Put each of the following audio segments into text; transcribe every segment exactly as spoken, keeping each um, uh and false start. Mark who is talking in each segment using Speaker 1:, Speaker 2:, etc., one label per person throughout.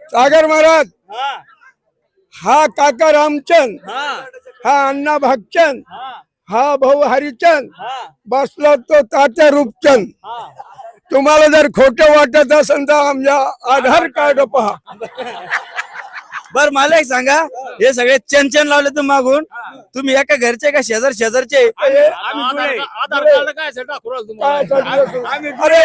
Speaker 1: सागर महाराज हा काका रामचंद, हा अण्णा भागचंद, हा भाऊ हरिचंद, बसला तो तात्या रूपचंद. तुम्हाला जर खोटं वाटत असेल तर आमच्या आधार कार्ड पहा.
Speaker 2: बर मला एक सांगा, हे सगळे चेन लावले तुम्ही मागून, तुम्ही एका घरचे का शेजार शेजारचे?
Speaker 1: अरे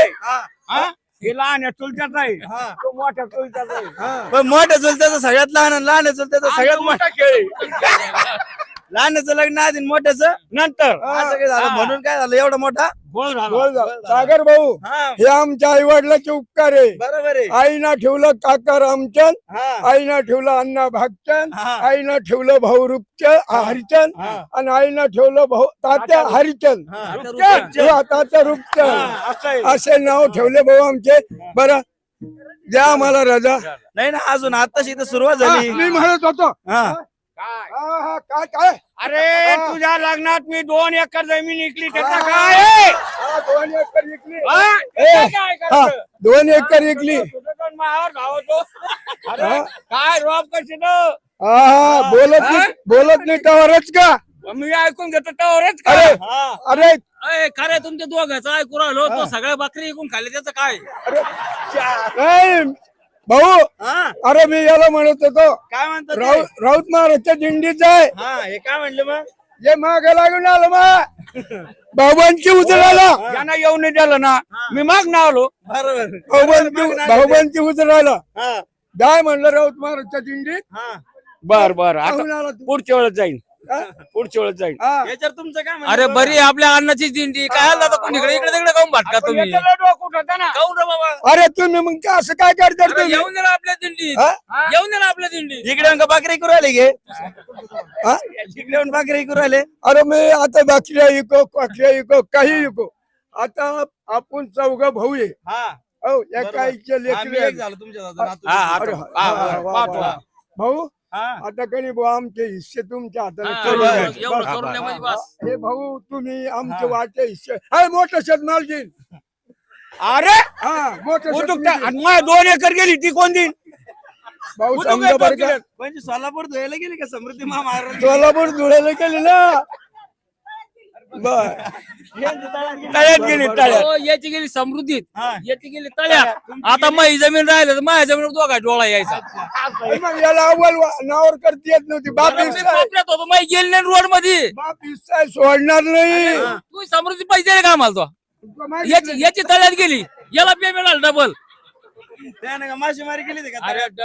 Speaker 3: लहान चुलत्याचा आहे, तो मोठ्या चुलत्याचा आहे.
Speaker 2: पण मोठ्या चुलत्याचं सगळ्यात लहान आणि लहान चुलत्याचं सगळ्यात मोठा
Speaker 3: खेळ
Speaker 2: लहानचं लग्न आधी आणि मोठ्याचं
Speaker 3: नंतर
Speaker 2: असं काय झालं? म्हणून काय झालं एवढा मोठा?
Speaker 3: बोल
Speaker 1: बोल जा. सागर भाऊ,
Speaker 2: हा,
Speaker 1: हे आमच्या आई वडिलाचे उपकार आहे.
Speaker 2: बरोबर आहे.
Speaker 1: आईना ठेवलं काका रामचंद,
Speaker 2: हा,
Speaker 1: आईना ठेवलं अण्णा भागचंद,
Speaker 2: हा.
Speaker 1: आईना ठेवलं भाऊ रूपचंद हरिचंद,
Speaker 2: हा.
Speaker 1: आणि आईना ठेवलं भाऊ तात्या हरिचंद,
Speaker 2: हा, आता
Speaker 3: रूपचंद.
Speaker 2: रूपचंद.
Speaker 1: हा, तात्या
Speaker 3: हा,
Speaker 1: रूपचंद.
Speaker 3: असं आहे.
Speaker 1: असे नाव ठेवले भाऊ आमचे. बरं, द्या आम्हाला रजा.
Speaker 2: नाही ना, अजून आताशी इथं सुरुवात
Speaker 1: हा,
Speaker 2: झाली.
Speaker 1: मी म्हणत होतो.
Speaker 2: हा,
Speaker 3: काय?
Speaker 1: हा, हा, काय काय
Speaker 3: अरे तुझ्या लग्नात मी दोन एकर जमीन विकली, त्याचा काय आहे?
Speaker 1: हा, दोन एकर विकली.
Speaker 3: हा?
Speaker 1: ए,
Speaker 3: त्याचं काय
Speaker 1: हा,
Speaker 3: करायचं?
Speaker 1: दोन एकर विकली.
Speaker 3: तुझं पण मावावर धावतो. अरे
Speaker 1: हा.
Speaker 3: काय रोप कशी तो?
Speaker 1: हा हा, बोलत नाही बोलत नाही त्यावरच का?
Speaker 3: मी ऐकून घेतो त्यावरच का?
Speaker 1: अरे
Speaker 2: हा.
Speaker 1: अरे
Speaker 4: अय खरे तुमच्या दोघांचं ऐकू राहिलो तो सगळ्या बकरी ऐकून खाल्ले त्याचं काय?
Speaker 1: नाही भाऊ,
Speaker 2: हा,
Speaker 1: अरे मी याला म्हणत होतो,
Speaker 2: काय म्हणतात ते?
Speaker 1: राऊत राऊत महाराजच्या दिंडीच आहे.
Speaker 2: हा, हे काय म्हणले मग?
Speaker 1: जे माग लागून आलं मग भाऊबांची उतरायला,
Speaker 3: यांना येऊन नाही दिलं ना, मी माग ना आलो.
Speaker 2: बरोबर.
Speaker 1: भाऊबांची भाऊबांची उतरायला
Speaker 2: हा,
Speaker 1: जाय म्हणलं राऊत महाराजच्या दिंडीत.
Speaker 2: हा.
Speaker 3: बर बर,
Speaker 1: जाऊन
Speaker 3: आता
Speaker 1: आला तू.
Speaker 3: पुढच्या वेळेस जाईन,
Speaker 1: हा?
Speaker 3: पुढच्या वेळेस जाईन.
Speaker 1: हा.
Speaker 2: याच्यावर तुमचं काय म्हणणं?
Speaker 4: अरे बरी आपल्या अन्नाची दिंडी काय आला तर कोणी इकडे इकडे तिकडे काऊन भाटका
Speaker 3: पण
Speaker 4: तुम्ही?
Speaker 3: याच्याला डोकं उठवतं ना.
Speaker 4: काऊन रे बाबा?
Speaker 1: अरे तुम्ही मग काय असं काय करता
Speaker 4: अरे
Speaker 1: तुम्ही?
Speaker 4: येऊन दे ना आपल्या दिंडीत,
Speaker 1: हा?
Speaker 4: येऊन दे ना आपल्या दिंडीत.
Speaker 2: इकडे येऊन का भाकरी करू राहिले गे?
Speaker 1: हा?
Speaker 2: इकडे येऊन भाकरी करू राहिले?
Speaker 1: अरे मी आता बाकऱ्या इको पाकऱ्या इको काही इको. आता आपण चौघ भाऊ आहे.
Speaker 2: हा,
Speaker 1: हो, एका आईचे
Speaker 2: हा, मी
Speaker 1: लेकरं
Speaker 2: एक
Speaker 1: आहेत.
Speaker 2: झालो तुमच्या हातात, नातू.
Speaker 3: हा, हा,
Speaker 1: अरे,
Speaker 3: हा,
Speaker 1: हा,
Speaker 3: हा,
Speaker 1: हा, वा,
Speaker 3: पाहतो.
Speaker 1: वा. भाऊ
Speaker 2: हा,
Speaker 1: आता कधी भाऊ आमचे हिस्से तुमच्या
Speaker 4: हा,
Speaker 1: हाताने
Speaker 2: एवढं-
Speaker 1: ठेवले.
Speaker 4: एवढं एवढं
Speaker 1: बस.
Speaker 4: करून द्या म्हणजे बस.
Speaker 1: हे भाऊ तुम्ही आमचे
Speaker 2: हा.
Speaker 1: वाटे हिस्से हाय मोठं शेतमालजी.
Speaker 3: अरे
Speaker 1: हा मोठं
Speaker 3: उठूक
Speaker 1: शेतमालजी.
Speaker 3: त्या- आणि माझ्या दोन एकर गेली ती कोण देईन?
Speaker 1: भाऊ
Speaker 3: उठूक
Speaker 1: समजा
Speaker 3: एक
Speaker 1: बरं का,
Speaker 3: केलं.
Speaker 2: म्हणजे सोलापूर धुवायला गेली का समृद्धी महाराज?
Speaker 1: सोलापूर धुळ्याला गेली ना. बर
Speaker 3: तळ्यात गेली तळ्यात.
Speaker 4: हो, याची गेली समृद्धीत,
Speaker 2: हा.
Speaker 4: याची गेली तळ्यात. आता माझी जमीन राहिली तर माझ्या जमीन दोघा डोळा यायचा.
Speaker 1: मग याला अव्वल वा- नावावर करता येत नव्हती. बाप
Speaker 4: मी
Speaker 1: हिस्सा आहे.
Speaker 4: कोपऱ्यात होतो, माझी गेली नाही रोड मध्ये.
Speaker 1: बाप हिस्सा आहे, सोडणार नाही.
Speaker 4: तू समृद्धी पैसे दिले का आम्हाला? तो
Speaker 1: माहिती
Speaker 4: याची याची तळ्यात गेली, याला पेमेंट आलं डबल.
Speaker 2: त्याने का मासेमारी केली होती का?
Speaker 4: अरे